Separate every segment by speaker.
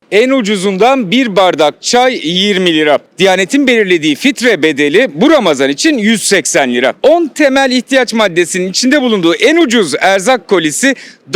Speaker 1: En ucuzundan bir bardak çay 20 lira. Diyanet'in belirlediği fitre bedeli bu Ramazan için 180 lira. 10 temel ihtiyaç maddesinin içinde bulunduğu en ucuz erzak kolisi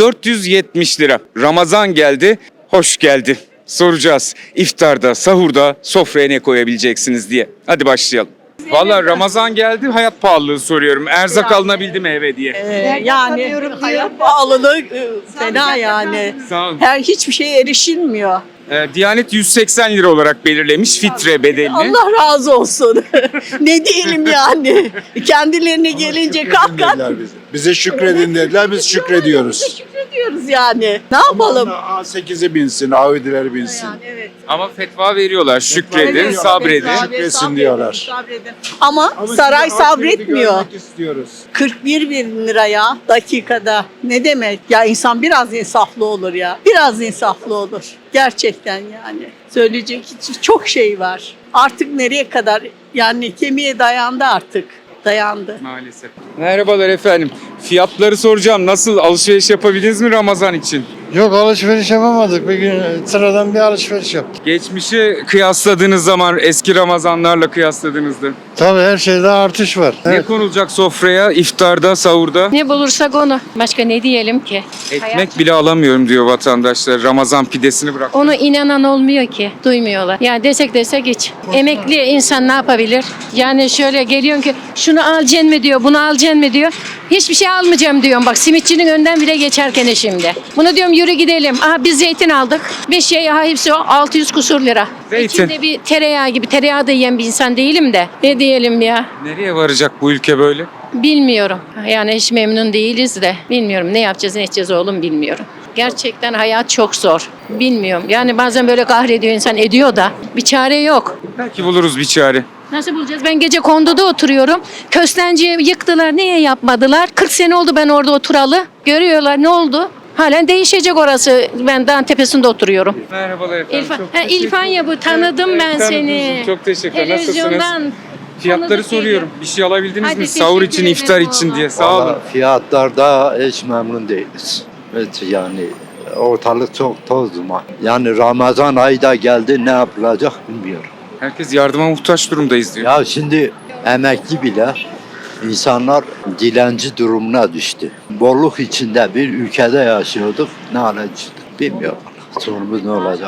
Speaker 1: 470 lira. Ramazan geldi, hoş geldi. Soracağız iftarda, sahurda sofraya ne koyabileceksiniz diye. Hadi başlayalım. Vallahi Ramazan geldi, hayat pahalılığı soruyorum. Erzak alınabildi mi eve diye.
Speaker 2: Yani hayat pahalılığı fena yani.
Speaker 1: Sağ olun.
Speaker 2: Hiçbir şeye erişilmiyor.
Speaker 1: Diyanet 180 lira olarak belirlemiş fitre bedelini.
Speaker 2: Allah razı olsun. Ne diyelim yani. Kendilerine gelince kalkan.
Speaker 3: Bize şükredin dediler, biz şükrediyoruz.
Speaker 2: Şükrediyoruz yani. Ne yapalım?
Speaker 3: A8'i binsin, Audi'leri binsin.
Speaker 2: Yani evet.
Speaker 1: Ama fetva veriyorlar. Şükredin,
Speaker 3: veriyorlar.
Speaker 1: sabredin.
Speaker 3: Şükretsin diyorlar.
Speaker 2: Sabredin. Ama saray
Speaker 3: sizi hak yeri
Speaker 2: sabretmiyor.
Speaker 3: görmek istiyoruz.
Speaker 2: 41 bin liraya dakikada. Ne demek? Ya insan biraz insaflı olur ya. Biraz insaflı olur. Gerçekten yani. Söyleyecek çok şey var. Artık nereye kadar? Yani kemiğe dayandı artık. Dayandı.
Speaker 1: Maalesef. Merhabalar efendim. Fiyatları soracağım. Nasıl alışveriş yapabildiniz mi Ramazan için?
Speaker 4: Yok, alışveriş yapamadık. Bir gün sıradan bir alışveriş yaptık.
Speaker 1: Geçmişi kıyasladığınız zaman eski Ramazanlarla kıyasladığınızda
Speaker 4: Tabii her şeyde artış var.
Speaker 1: ne
Speaker 4: Evet.
Speaker 1: konulacak sofraya, iftarda, sahurda?
Speaker 5: Ne bulursak onu. Başka ne diyelim ki?
Speaker 1: Ekmek bile alamıyorum diyor vatandaşlar. Ramazan pidesini bırak.
Speaker 5: Onu inanan olmuyor ki. Duymuyorlar. Yani desek hiç. Emekli insan ne yapabilir? Yani şöyle geliyorsun ki şunu alacaksın mı diyor, bunu alacaksın mı diyor. Hiçbir şey almayacağım diyorum. Bak simitçinin önden bile geçerken şimdi. Bunu diyorum yürü gidelim. Aha biz zeytin aldık. Bir şey hepsi o 600 kusur lira.
Speaker 1: Zeytin.
Speaker 5: İçinde bir tereyağı gibi. Tereyağı da yiyen bir insan değilim de. Ne diyelim ya?
Speaker 1: Nereye varacak bu ülke böyle?
Speaker 5: Bilmiyorum. Yani hiç memnun değiliz de. Bilmiyorum ne yapacağız ne edeceğiz oğlum bilmiyorum. Gerçekten hayat çok zor. Bilmiyorum. Yani bazen böyle kahrediyor insan ediyor da bir çare yok.
Speaker 1: Belki buluruz bir çare.
Speaker 5: Nasıl bulacağız? Ben gece konduda oturuyorum. Köstenciyi yıktılar. Niye yapmadılar? 40 sene oldu ben orada oturalı. Görüyorlar ne oldu? Halen değişecek orası. Ben dağın tepesinde oturuyorum.
Speaker 1: Merhabalar efendim.
Speaker 5: İlfan,
Speaker 1: Çok
Speaker 5: ha,
Speaker 1: teşekkür
Speaker 5: İlfan ya bu tanıdım
Speaker 1: Evet,
Speaker 5: ben
Speaker 1: tanıdınız.
Speaker 5: seni.
Speaker 1: Çok teşekkürler. Nasılsınız?
Speaker 5: Televizyondan
Speaker 1: Fiyatları
Speaker 5: tanıdık
Speaker 1: soruyorum.
Speaker 5: geliyor.
Speaker 1: Bir şey alabildiniz
Speaker 5: Hadi
Speaker 1: mi? Sahur
Speaker 5: teşekkür
Speaker 1: için,
Speaker 5: ederim
Speaker 1: iftar için
Speaker 5: vallahi.
Speaker 1: diye. Sağ olun.
Speaker 6: Vallahi fiyatlarda hiç memnun değiliz. Evet yani ortalık çok toz duman. Yani Ramazan ayı da geldi, ne yapılacak bilmiyorum.
Speaker 1: Herkes yardıma muhtaç durumdayız diyor.
Speaker 6: Ya şimdi emekli bile insanlar dilenci durumuna düştü. Bolluk içinde bir ülkede yaşıyorduk, ne hale düştük bilmiyorum. Sonumuz ne olacak?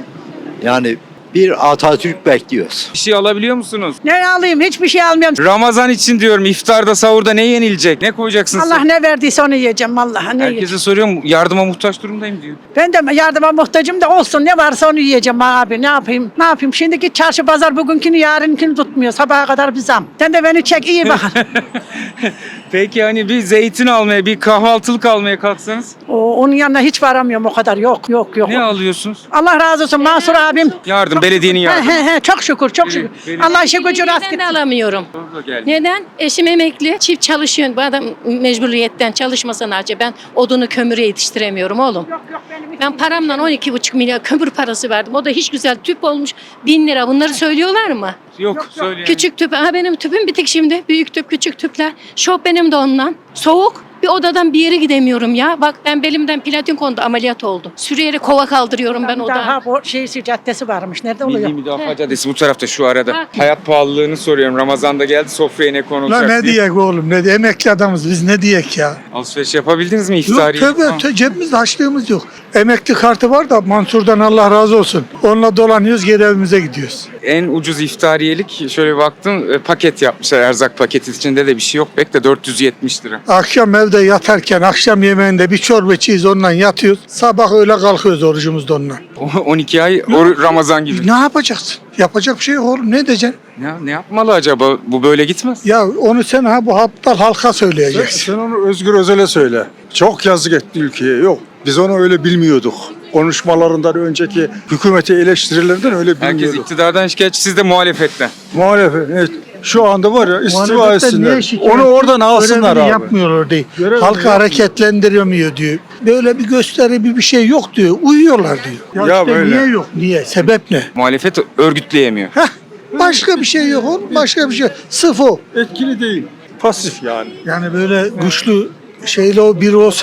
Speaker 6: Yani bir Atatürk bekliyoruz.
Speaker 1: Bir şey alabiliyor musunuz?
Speaker 7: Ne alayım? Hiçbir şey almıyorum.
Speaker 1: Ramazan için diyorum, iftarda, sahurda ne yenilecek? Ne koyacaksınız?
Speaker 7: Allah ne verdiyse onu yiyeceğim vallahi. Ne yiyeceğim?
Speaker 1: Herkese soruyorum, yardıma muhtaç durumdayım diyor.
Speaker 7: Ben de yardıma muhtacım da olsun. Ne varsa onu yiyeceğim abi. Ne yapayım? Ne yapayım? Şimdiki çarşı pazar bugünkünü yarınkini tutmuyor. Sabaha kadar bir zam. Sen de beni çek iyi bakın.
Speaker 1: Peki hani bir zeytin almaya, bir kahvaltılık almaya kalksanız
Speaker 7: Onun yanına hiç varamıyorum o kadar. Yok yok yok.
Speaker 1: ne alıyorsunuz?
Speaker 7: Allah razı olsun Mansur abim.
Speaker 1: Yardım, belediyenin yardımı.
Speaker 7: Çok şükür çok şükür.
Speaker 1: Benim-
Speaker 7: Allah işe gücü rast
Speaker 5: Neden de
Speaker 7: gitsin.
Speaker 5: alamıyorum.
Speaker 1: Doğru da geldi.
Speaker 5: Neden? Eşim emekli, çift çalışıyor. Bu adam mecburiyetten çalışmasa sadece ben odunu kömürü yetiştiremiyorum oğlum. Ben paramla 12,5 milyar kömür parası verdim. O da hiç güzel tüp olmuş 1000 lira. Bunları söylüyorlar mı?
Speaker 1: Yok, söyleyin.
Speaker 5: Küçük tüp. Ha benim tüpüm bitik şimdi. Büyük tüp, küçük tüpler. Şok benim de ondan. Soğuk. Bir odadan bir yere gidemiyorum ya. Bak ben belimden platin kondu ameliyat oldu. Sürüyerek kova kaldırıyorum ben odadan.
Speaker 7: Daha bu caddesi varmış. Nerede oluyor?
Speaker 1: Milli Müdafaa Caddesi bu tarafta, şu arada.
Speaker 5: Bak.
Speaker 1: Hayat pahalılığını soruyorum. Ramazan'da geldi, sofraya ne konulacak
Speaker 4: La ne
Speaker 1: diye.
Speaker 4: diyek oğlum, ne diyek? Emekli adamız biz, ne diyek ya?
Speaker 1: Alışveriş yapabildiniz mi
Speaker 4: Yok
Speaker 1: iftari?
Speaker 4: tövbe, cebimizde harçlığımız yok. Emekli kartı var da Mansur'dan Allah razı olsun. Onunla dolanıyoruz, geri evimize gidiyoruz.
Speaker 1: En ucuz iftariyelik şöyle bir baktım, paket yapmışlar, erzak paketi, içinde de bir şey yok pek de 470 lira.
Speaker 4: Akşam evde yatarken, akşam yemeğinde bir çorba içiyiz, onunla yatıyoruz. Sabah öyle kalkıyoruz orucumuzda onunla.
Speaker 1: 12 ay Ramazan gibi.
Speaker 4: Ne yapacaksın? Yapacak bir şey yok oğlum, ne diyeceksin?
Speaker 1: Ne yapmalı acaba? Bu böyle gitmez.
Speaker 4: Ya onu sen bu aptal halka söyleyeceksin.
Speaker 3: Sen onu Özgür Özel'e söyle. Çok yazık etti ülkeye. Yok. Biz onu öyle bilmiyorduk. Konuşmalarından önceki hükümeti eleştirilerden öyle
Speaker 1: Herkes
Speaker 3: bilmiyorduk.
Speaker 1: iktidardan şikayetçi, siz de muhalefetten.
Speaker 3: Muhalefet evet. Şu anda var ya istifa
Speaker 4: Muhalefetten niye
Speaker 3: etsinler.
Speaker 4: şikayet-
Speaker 3: Onu oradan alsınlar
Speaker 4: Görevini
Speaker 3: abi.
Speaker 4: yapmıyorlar değil.
Speaker 3: Görevini
Speaker 4: Halkı
Speaker 3: yapmıyor.
Speaker 4: hareketlendiremiyor diyor. Böyle bir gösteri bir şey yok diyor. Uyuyorlar diyor.
Speaker 3: Ya
Speaker 4: işte
Speaker 3: böyle.
Speaker 4: niye yok? Niye? Sebep ne?
Speaker 1: Muhalefet örgütleyemiyor.
Speaker 4: Heh, başka bir şey yok oğlum. Başka bir şey. Sırf o.
Speaker 3: Etkili değil. Pasif yani.
Speaker 4: Yani böyle güçlü şeyle o biri olsa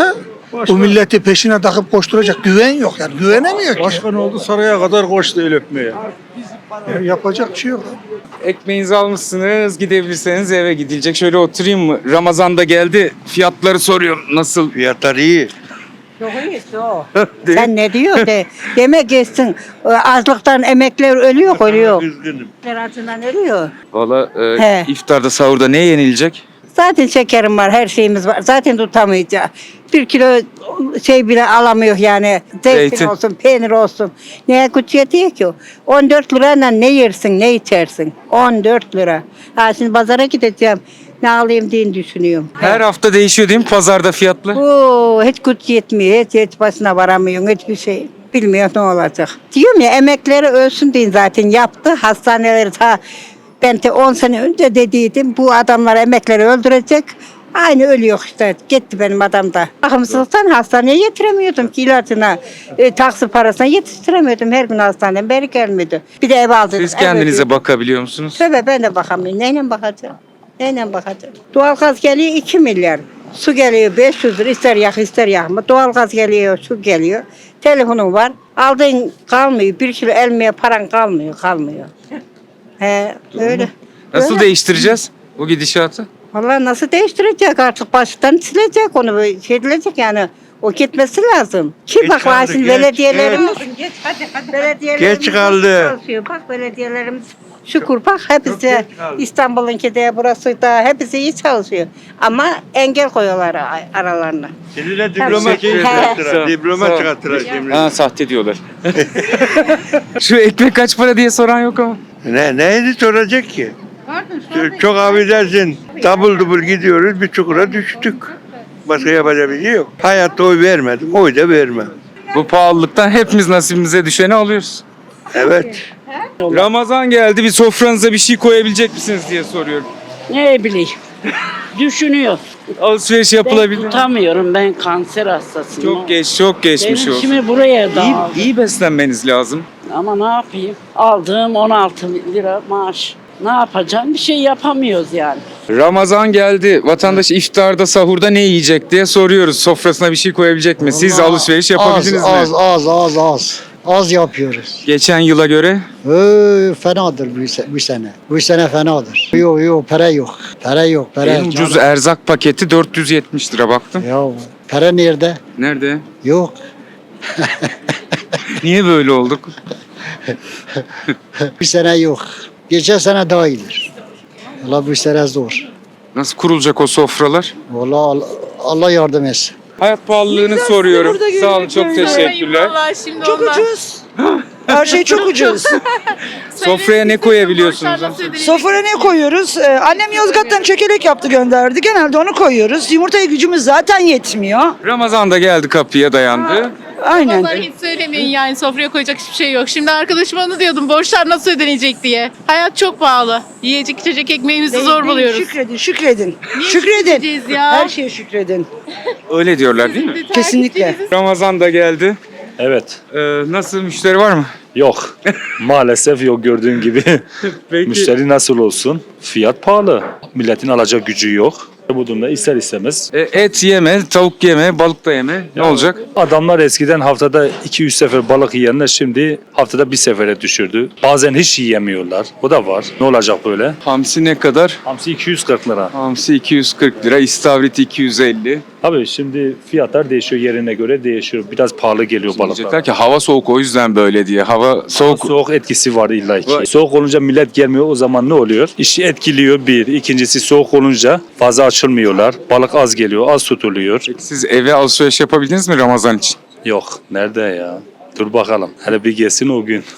Speaker 4: Bu milleti peşine takıp koşturacak güven yok yani. Güvenemiyor ki.
Speaker 3: Başkan oldu saraya kadar koştu el öpmeye.
Speaker 4: Yapacak bir şey yok.
Speaker 1: Ekmeğinizi almışsınız, gidebilirseniz eve gidilecek. Şöyle oturayım mı? Ramazan da geldi. Fiyatları soruyorum. Nasıl?
Speaker 8: Fiyatlar iyi.
Speaker 2: Çok iyisi o. Sen ne diyor de. Demek geçsin. Açlıktan emekler ölüyor.
Speaker 8: Üzgünüm.
Speaker 2: Acından ölüyor.
Speaker 1: Valla
Speaker 2: He.
Speaker 1: iftarda, sahurda ne yenilecek?
Speaker 2: Zaten şekerim var, her şeyimiz var. Zaten tutamayacağız. 1 kilo şey bile alamıyor yani. Zeytin
Speaker 1: Zeytin.
Speaker 2: olsun, peynir olsun. Neye güç yetiyor ki o? 14 lirayla ne yersin, ne içersin? 14 lira. Ha şimdi pazara gideceğim. Ne alayım diye düşünüyorum.
Speaker 1: Her hafta değişiyor değil mi pazarda fiyatlar?
Speaker 2: Oo, hiç güç yetmiyor, hiç başına varamıyorsun, hiçbir şey. Bilmiyor ne olacak. Diyorum ya emekleri ölsün diye zaten yaptı. Hastaneleri ben de 10 sene önce dediydim. Bu adamlar emekleri öldürecek. Aynı ölüyor işte. Gitti benim adam da. Bakımsızlıktan hastaneye getiremiyordum ki ilacına, taksi parasına yetiştiremiyordum. Her gün hastaneden beri gelmiyordu. Bir de ev aldık.
Speaker 1: Siz kendinize bakabiliyor musunuz?
Speaker 2: Tabii ben de bakamıyorum. Neyle bakacağım? Neyle bakacağım? Doğalgaz geliyor 2 milyar. Su geliyor 500 lira. İster yak ister yakma. Doğalgaz geliyor, su geliyor. Telefonun var. Aldığın kalmıyor. 1 kilo elmeye paran kalmıyor. He, öyle.
Speaker 1: Nasıl
Speaker 2: Öyle.
Speaker 1: değiştireceğiz bu gidişatı?
Speaker 2: Vallahi nasıl değiştirecek artık baştan silecek onu şey edilecek yani. O gitmesi lazım. Ki
Speaker 8: Geç
Speaker 2: bak
Speaker 8: kaldı,
Speaker 2: şimdi
Speaker 8: geç,
Speaker 2: belediyelerimiz belediyelerimiz
Speaker 8: Geç kaldı.
Speaker 2: çalışıyor. Bak belediyelerimiz şükür bak hepsi İstanbul'unki de burası da hepsi iyi çalışıyor. Ama engel koyuyorlar aralarına.
Speaker 8: Seninle diploma
Speaker 2: Teşekkür
Speaker 8: çıkarttılar.
Speaker 1: ederim.
Speaker 8: Diploma
Speaker 1: Sağ ol.
Speaker 8: çıkarttılar şimdi.
Speaker 1: Ha, sahte diyorlar. Şu ekmek kaç para diye soran yok ama.
Speaker 8: Neydi soracak ki? Çok affedersin. Double double gidiyoruz bir çukura düştük. Başka yapacak bir şey yok. Hayatta oy vermedim. Oy da vermem.
Speaker 1: Bu pahalılıktan hepimiz nasibimize düşeni alıyoruz.
Speaker 8: Evet.
Speaker 1: Ramazan geldi, bir sofranıza bir şey koyabilecek misiniz diye soruyorum.
Speaker 9: Ne bileyim. Düşünüyor.
Speaker 1: Alışveriş
Speaker 9: Ben
Speaker 1: yapılabilir mi?
Speaker 9: tutamıyorum. Ben kanser hastasıyım.
Speaker 1: Çok geçmiş
Speaker 9: Benim
Speaker 1: olsun.
Speaker 9: şimdi buraya dağıldı.
Speaker 1: İyi beslenmeniz lazım.
Speaker 9: Ama ne yapayım? Aldığım 16 lira maaş. Ne yapacağım? Bir şey yapamıyoruz yani.
Speaker 1: Ramazan geldi. Vatandaş iftarda, sahurda ne yiyecek diye soruyoruz. Sofrasına bir şey koyabilecek mi? Siz alışveriş yapabildiniz mi?
Speaker 10: Az yapıyoruz.
Speaker 1: Geçen yıla göre
Speaker 10: Fenadır bu sene. Bu sene fenadır. Yok para yok. Para yok.
Speaker 1: en ucuz erzak paketi 470 lira baktım.
Speaker 10: Ya para nerede?
Speaker 1: Nerede?
Speaker 10: Yok.
Speaker 1: Niye böyle olduk?
Speaker 10: Bu sene yok. Geçen sene daha iyidir. Valla bu sene zor.
Speaker 1: Nasıl kurulacak o sofralar?
Speaker 10: Valla Allah yardım etsin.
Speaker 1: Hayat pahalılığını soruyorum. Sağ olun, çok teşekkürler.
Speaker 11: Çok ucuz. Her şey çok ucuz.
Speaker 1: Sofraya ne koyabiliyorsunuz?
Speaker 11: Sofraya ne koyuyoruz? Annem Yozgat'tan çökelek yaptı gönderdi. Genelde onu koyuyoruz. Yumurtaya gücümüz zaten yetmiyor.
Speaker 1: Ramazan da geldi, kapıya dayandı.
Speaker 11: Aynen.
Speaker 12: Vallahi hiç söylemeyin yani sofraya koyacak hiçbir şey yok. Şimdi arkadaşıma onu diyordum borçlar nasıl ödenecek diye. Hayat çok pahalı. Yiyecek içecek ekmeğimizi zor buluyoruz.
Speaker 11: Şükredin.
Speaker 12: Niye
Speaker 11: Şükredin.
Speaker 12: şükredeceğiz ya?
Speaker 11: Her şeye şükredin.
Speaker 1: Öyle diyorlar değil mi?
Speaker 11: Kesinlikle.
Speaker 1: Ramazan da geldi.
Speaker 13: Evet.
Speaker 1: Nasıl, müşteri var mı?
Speaker 13: Yok. Maalesef yok gördüğün gibi.
Speaker 1: Peki.
Speaker 13: Müşteri nasıl olsun? Fiyat pahalı. Milletin alacak gücü yok. Bu durumda ister istemez.
Speaker 1: Et yeme, tavuk yeme, balık da yeme. Ne olacak?
Speaker 13: Adamlar eskiden haftada 2-3 sefer balık yiyenler şimdi haftada bir sefere düşürdü. Bazen hiç yiyemiyorlar. O da var. Ne olacak böyle?
Speaker 1: Hamsi ne kadar?
Speaker 13: Hamsi 240 lira.
Speaker 1: Hamsi 240 lira, istavrit 250.
Speaker 13: Abi şimdi fiyatlar değişiyor, yerine göre değişiyor. Biraz pahalı geliyor
Speaker 1: Diyecekler
Speaker 13: balıklar.
Speaker 1: ki hava soğuk, o yüzden böyle diye. Hava soğuk.
Speaker 13: Soğuk etkisi var illa ki.
Speaker 1: Var.
Speaker 13: Soğuk olunca millet gelmiyor, o zaman ne oluyor? İşi etkiliyor bir. İkincisi soğuk olunca fazla açılmıyorlar. Balık az geliyor, az tutuluyor.
Speaker 1: Peki siz eve alışveriş yapabildiniz mi Ramazan için?
Speaker 13: Yok, nerede ya? Dur bakalım. Hele bir gelsin o gün.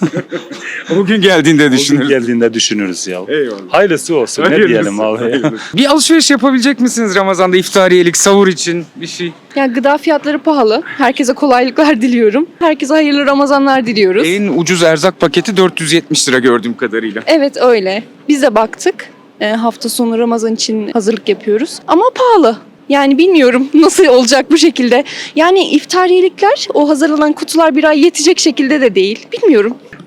Speaker 1: O gün geldiğinde
Speaker 13: O gün
Speaker 1: düşünürüz.
Speaker 13: geldiğinde düşünürüz ya.
Speaker 1: Eyvallah.
Speaker 13: Hayırlısı olsun. Ne diyelim abi.
Speaker 1: Bir alışveriş yapabilecek misiniz Ramazan'da, iftariyelik, sahur için bir şey?
Speaker 12: Yani gıda fiyatları pahalı. Herkese kolaylıklar diliyorum. Herkese hayırlı Ramazanlar diliyoruz.
Speaker 1: En ucuz erzak paketi 470 lira gördüğüm kadarıyla.
Speaker 12: Evet öyle. Biz de baktık. Hafta sonu Ramazan için hazırlık yapıyoruz. Ama pahalı. Yani bilmiyorum nasıl olacak bu şekilde. Yani iftariyelikler, o hazırlanan kutular bir ay yetecek şekilde de değil. Bilmiyorum.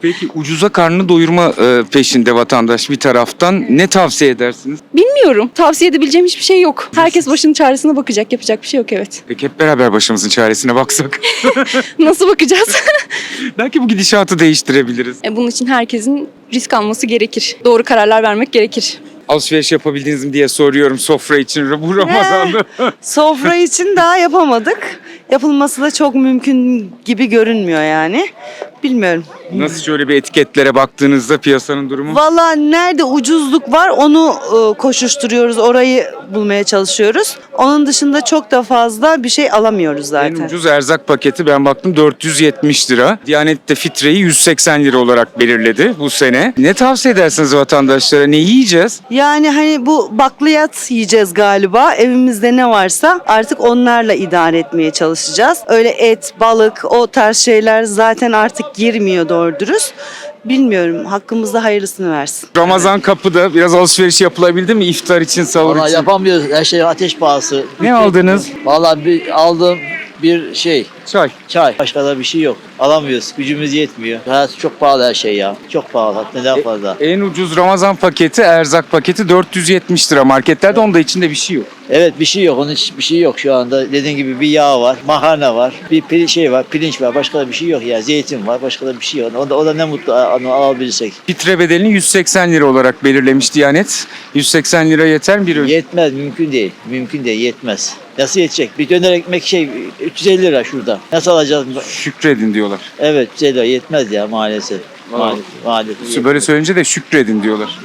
Speaker 1: Peki ucuza karnını doyurma peşinde vatandaş bir taraftan. Ne tavsiye edersiniz?
Speaker 12: Bilmiyorum. Tavsiye edebileceğim hiçbir şey yok. Herkes başının çaresine bakacak. Yapacak bir şey yok, evet.
Speaker 1: Peki hep beraber başımızın çaresine baksak.
Speaker 12: Nasıl bakacağız?
Speaker 1: Belki bu gidişatı değiştirebiliriz.
Speaker 12: Bunun için herkesin risk alması gerekir. Doğru kararlar vermek gerekir.
Speaker 1: Alışveriş yapabildiniz mi diye soruyorum sofra için bu Ramazan'da.
Speaker 11: Sofra için daha yapamadık. Yapılması da çok mümkün gibi görünmüyor yani. Bilmiyorum.
Speaker 1: Nasıl şöyle bir etiketlere baktığınızda piyasanın durumu?
Speaker 11: Vallahi nerede ucuzluk var onu koşuşturuyoruz. Orayı bulmaya çalışıyoruz. Onun dışında çok da fazla bir şey alamıyoruz zaten.
Speaker 1: En ucuz erzak paketi ben baktım 470 lira. Diyanet de fitreyi 180 lira olarak belirledi bu sene. Ne tavsiye edersiniz vatandaşlara? Ne yiyeceğiz?
Speaker 11: Yani hani bu bakliyat yiyeceğiz galiba. Evimizde ne varsa artık onlarla idare etmeye çalışacağız. Öyle et, balık o tarz şeyler zaten artık girmiyor doğru dürüst. Bilmiyorum. Hakkımızda hayırlısını versin.
Speaker 1: Ramazan kapıda biraz alışveriş yapılabildi mi iftar için, sahur
Speaker 10: Vallahi
Speaker 1: için?
Speaker 10: yapamıyoruz. Her şey ateş pahası.
Speaker 1: Ne aldınız?
Speaker 10: Vallahi aldığım bir şey.
Speaker 1: Çay.
Speaker 10: Başka da bir şey yok. Alamıyoruz. Gücümüz yetmiyor. Hayat çok pahalı her şey ya. Çok pahalı. Hatta daha fazla.
Speaker 1: En ucuz Ramazan paketi, erzak paketi 470 lira. Marketlerde onda içinde bir şey yok.
Speaker 10: Evet bir şey yok. Onun için bir şey yok şu anda. Dediğin gibi bir yağ var. Makarna var. Bir şey var. Pirinç var. Başka da bir şey yok ya. Zeytin var. Başka da bir şey yok. O da ne mutlu onu alabilirsek.
Speaker 1: Fitre bedelini 180 lira olarak belirlemiş Diyanet. 180 lira yeter mi bir öğün?
Speaker 10: Yetmez. Mümkün değil. Mümkün değil. Yetmez. Nasıl yetecek? Bir döner ekmek 350 lira şurada. Nasıl alacağız?
Speaker 1: Şükredin diyorlar.
Speaker 10: Evet 350 lira yetmez ya maalesef. Maalesef.
Speaker 1: Böyle söyleyince de şükredin diyorlar.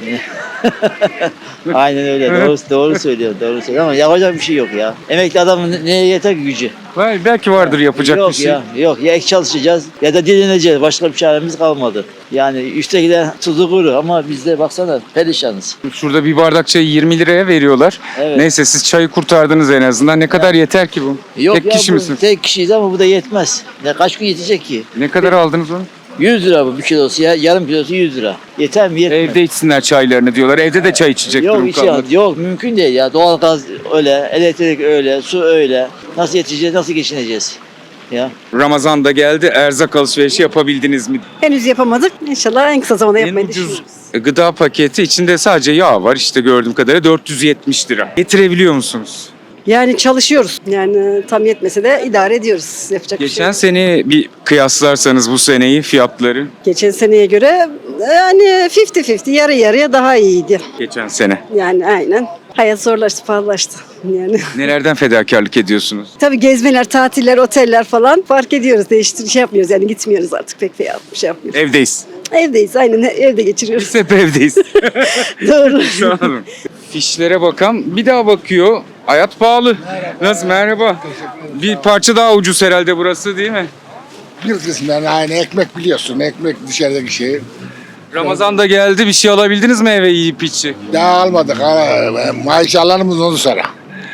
Speaker 10: Aynen öyle. Doğru söylüyor. Doğru söylüyor ama yapacak bir şey yok ya. Emekli adamın neye yeter ki gücü?
Speaker 1: Belki vardır yapacak
Speaker 10: yok
Speaker 1: bir şey.
Speaker 10: Yok ya ek çalışacağız ya da dileneceğiz. Başka bir çaremiz kalmadı. Yani üsttekiler tuzu kuru ama biz de baksana perişanız.
Speaker 1: Şurada bir bardak çayı 20 liraya veriyorlar.
Speaker 10: Evet.
Speaker 1: Neyse siz çayı kurtardınız en azından. Ne kadar yeter ki bu?
Speaker 10: Yok
Speaker 1: Tek
Speaker 10: ya
Speaker 1: kişi
Speaker 10: bu
Speaker 1: misiniz?
Speaker 10: tek kişiyiz ama bu da yetmez. Kaç gün yetecek ki?
Speaker 1: Ne kadar aldınız onu?
Speaker 10: 100 lira bu bir kilosu ya. Yarım kilosu 100 lira. Yeter mi? Yetmez.
Speaker 1: Evde içsinler çaylarını diyorlar. Evde de çay içecek
Speaker 10: Yok
Speaker 1: durum kalmadı.
Speaker 10: yok mümkün değil ya. Doğalgaz öyle, elektrik öyle, su öyle. Nasıl yetişeceğiz, nasıl geçineceğiz? Ya.
Speaker 1: Ramazan da geldi. Erzak alışverişi yapabildiniz mi?
Speaker 7: Henüz yapamadık. İnşallah en kısa zamanda
Speaker 1: En
Speaker 7: yapmayı
Speaker 1: ucuz
Speaker 7: düşünüyoruz.
Speaker 1: gıda paketi içinde sadece yağ var. İşte gördüğüm kadarıyla 470 lira. Getirebiliyor musunuz?
Speaker 7: Yani çalışıyoruz. Yani tam yetmese de idare ediyoruz. Yapacak bir şey
Speaker 1: Geçen
Speaker 7: yok.
Speaker 1: sene bir kıyaslarsanız bu seneyi fiyatları
Speaker 7: Geçen seneye göre yani 50-50 yarı yarıya daha iyiydi.
Speaker 1: geçen sene.
Speaker 7: Yani aynen. Hayat zorlaştı, pahalılaştı. Yani
Speaker 1: Nelerden fedakarlık ediyorsunuz?
Speaker 7: tabii gezmeler, tatiller, oteller falan fark ediyoruz. Şey yapmıyoruz yani gitmiyoruz artık pek bir şey yapmıyoruz.
Speaker 1: Evdeyiz.
Speaker 7: Evdeyiz aynen evde geçiriyoruz.
Speaker 1: Biz hep evdeyiz.
Speaker 7: Doğru.
Speaker 1: Sağ olun. Fişlere bakan bir daha bakıyor. Hayat pahalı. Nasıl? Merhaba. Bir parça daha ucuz herhalde burası değil mi?
Speaker 14: Bir kısmen aynı ekmek biliyorsun. Ekmek dışarıdaki şey.
Speaker 1: Ramazan da geldi. Bir şey alabildiniz mi eve yiyip içi?
Speaker 14: Daha almadık. Maaş alanımız onu sonra.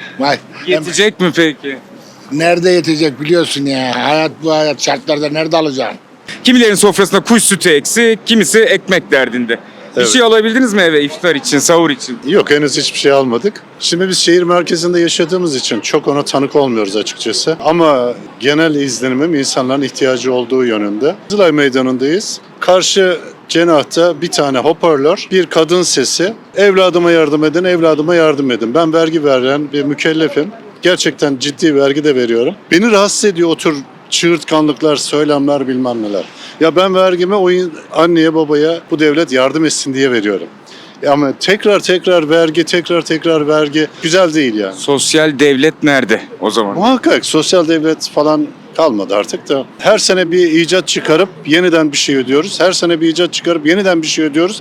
Speaker 1: Yetecek mi peki?
Speaker 14: Nerede yetecek biliyorsun ya. Hayat bu hayat şartlarda nerede alacaksın?
Speaker 1: Kimilerin sofrasında kuş sütü eksik, kimisi ekmek derdinde. Bir şey alabildiniz mi eve iftar için, sahur için?
Speaker 15: Yok henüz hiçbir şey almadık. Şimdi biz şehir merkezinde yaşadığımız için çok ona tanık olmuyoruz açıkçası. Ama genel izlenimim insanların ihtiyacı olduğu yönünde. Kızılay Meydanı'ndayız. Karşı cenahta bir tane hoparlör, bir kadın sesi. Evladıma yardım edin, evladıma yardım edin. Ben vergi veren bir mükellefim. Gerçekten ciddi vergi de veriyorum. Beni rahatsız ediyor o tür çığırtkanlıklar, söylemler bilmem neler. Ya ben vergimi o anneye babaya bu devlet yardım etsin diye veriyorum. Ama tekrar vergi güzel değil yani.
Speaker 1: Sosyal devlet nerede o zaman?
Speaker 15: Muhakkak sosyal devlet falan kalmadı artık da. Her sene bir icat çıkarıp yeniden bir şey ödüyoruz. Her sene bir icat çıkarıp yeniden bir şey ödüyoruz.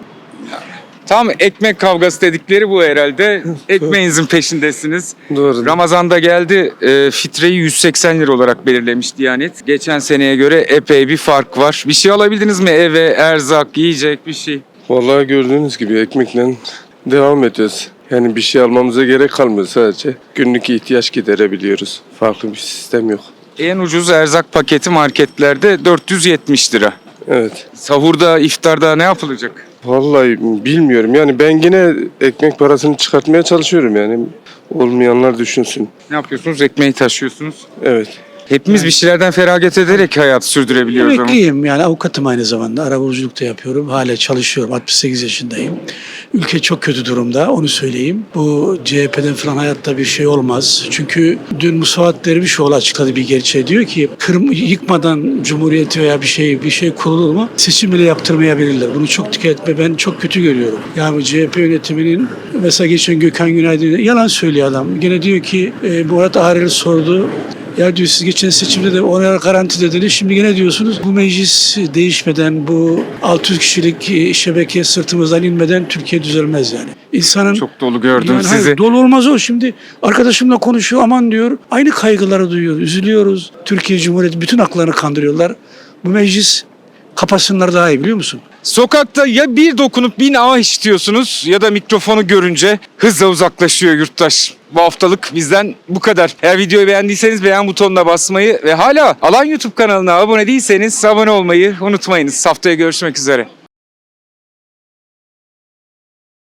Speaker 1: Tam ekmek kavgası dedikleri bu herhalde. Ekmeğinizin peşindesiniz.
Speaker 8: Doğru.
Speaker 1: Ramazan'da geldi. Fitreyi 180 lira olarak belirlemiş Diyanet. Geçen seneye göre epey bir fark var. Bir şey alabildiniz mi eve? Erzak, yiyecek bir şey.
Speaker 8: Vallahi gördüğünüz gibi ekmekle devam ediyoruz. Yani bir şey almamıza gerek kalmıyor sadece. Günlük ihtiyaç giderebiliyoruz. Farklı bir sistem yok.
Speaker 1: En ucuz erzak paketi marketlerde 470 lira.
Speaker 8: Evet.
Speaker 1: Sahurda, iftarda ne yapılacak?
Speaker 8: Vallahi bilmiyorum. Yani ben yine ekmek parasını çıkartmaya çalışıyorum yani. Olmayanlar düşünsün.
Speaker 1: Ne yapıyorsunuz? Ekmeği taşıyorsunuz.
Speaker 8: Evet.
Speaker 1: Hepimiz bir şeylerden feragat ederek hayat sürdürebiliyoruz ama.
Speaker 4: Emekliyim yani avukatım aynı zamanda. Arabuluculuk da yapıyorum. Hala çalışıyorum. 68 yaşındayım. Ülke çok kötü durumda onu söyleyeyim. Bu CHP'den falan hayatta bir şey olmaz. Çünkü dün Musavat Dervişoğlu açıkladı bir gerçeği. Diyor ki yıkmadan Cumhuriyeti veya bir şey kurulur mu? Seçim bile yaptırmayabilirler. Bunu çok dikkat etme. Ben çok kötü görüyorum. Yani CHP yönetiminin mesela geçen Gökhan Günaydın yalan söylüyor adam. Gene diyor ki Murat Ağrel sordu. Ya diyor siz geçen seçimde de ona garanti dediniz. Şimdi yine diyorsunuz bu meclis değişmeden, bu 600 kişilik şebeke sırtımızdan inmeden Türkiye düzelmez yani. İnsanın
Speaker 1: Çok dolu gördüm
Speaker 4: yani
Speaker 1: sizi.
Speaker 4: hayır, dolu olmaz o. Şimdi arkadaşımla konuşuyor aman diyor. Aynı kaygıları duyuyor. Üzülüyoruz. Türkiye Cumhuriyeti bütün haklarını kandırıyorlar. Bu meclis kapatsınlar daha iyi biliyor musun?
Speaker 1: Sokakta ya bir dokunup bin ah işitiyorsunuz ya da mikrofonu görünce hızla uzaklaşıyor yurttaş. Bu haftalık bizden bu kadar. Eğer videoyu beğendiyseniz beğen butonuna basmayı ve hala Alan YouTube kanalına abone değilseniz abone olmayı unutmayınız. Haftaya görüşmek üzere.